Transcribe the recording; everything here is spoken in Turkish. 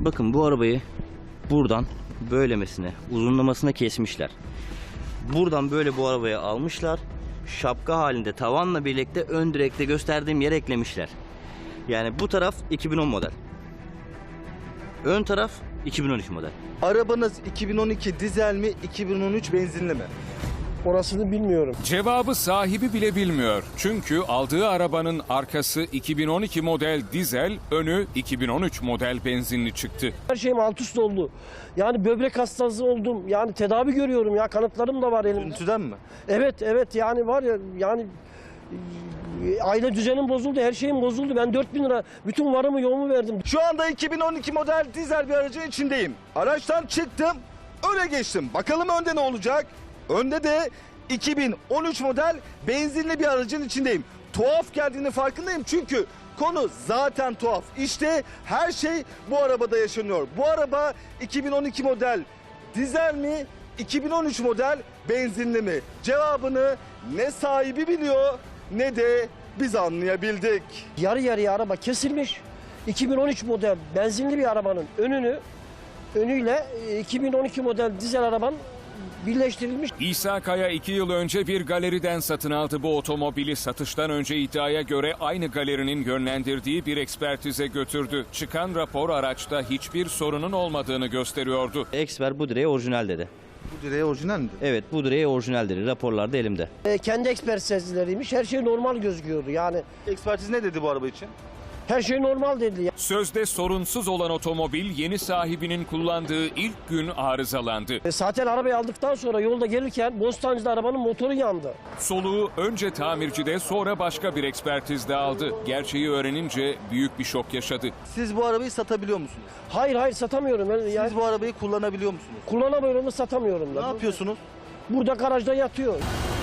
bakın bu arabayı buradan böylemesine, uzunlamasına kesmişler. Buradan böyle bu arabayı almışlar. Şapka halinde tavanla birlikte ön direkte gösterdiğim yere eklemişler. Yani bu taraf 2010 model. Ön taraf 2013 model. Arabanız 2012 dizel mi, 2013 benzinli mi? Orasını bilmiyorum. Cevabı sahibi bile bilmiyor. Çünkü aldığı arabanın arkası 2012 model dizel, önü 2013 model benzinli çıktı. Her şeyim alt üst oldu. Yani böbrek hastası oldum. Yani tedavi görüyorum ya. Kanıtlarım da var elimde. Görüntüden mi? Evet yani var ya yani aile düzenim bozuldu. Her şeyim bozuldu. Ben 4.000 lira bütün varımı yoğumu verdim. Şu anda 2012 model dizel bir aracın içindeyim. Araçtan çıktım, öne geçtim. Bakalım önde ne olacak? Önde de 2013 model benzinli bir aracın içindeyim. Tuhaf geldiğini farkındayım çünkü konu zaten tuhaf. İşte her şey bu arabada yaşanıyor. Bu araba 2012 model dizel mi, 2013 model benzinli mi? Cevabını ne sahibi biliyor ne de biz anlayabildik. Yarı yarıya araba kesilmiş. 2013 model benzinli bir arabanın önüyle 2012 model dizel arabanın birleştirilmiş. İsa Kaya 2 yıl önce bir galeriden satın aldı bu otomobili. Satıştan önce iddiaya göre aynı galerinin yönlendirdiği bir ekspertize götürdü. Çıkan rapor araçta hiçbir sorunun olmadığını gösteriyordu. Expert bu direğe orijinal dedi. Bu direğe orijinal mi? Evet, bu direğe orijinal dedi. Raporlarda elimde. Kendi ekspertizleriymiş. Her şey normal gözüküyordu. Yani Ekspertiz ne dedi bu araba için? her şey normal dedi. Sözde sorunsuz olan otomobil yeni sahibinin kullandığı ilk gün arızalandı. Zaten arabayı aldıktan sonra yolda gelirken Bostancı'da arabanın motoru yandı. Soluğu önce tamircide sonra başka bir ekspertizde aldı. Gerçeği öğrenince büyük bir şok yaşadı. Siz bu arabayı satabiliyor musunuz? Hayır satamıyorum. Yani Siz bu arabayı kullanabiliyor musunuz? kullanamıyorum da satamıyorum da. Ne yapıyorsunuz? Burada garajda yatıyor.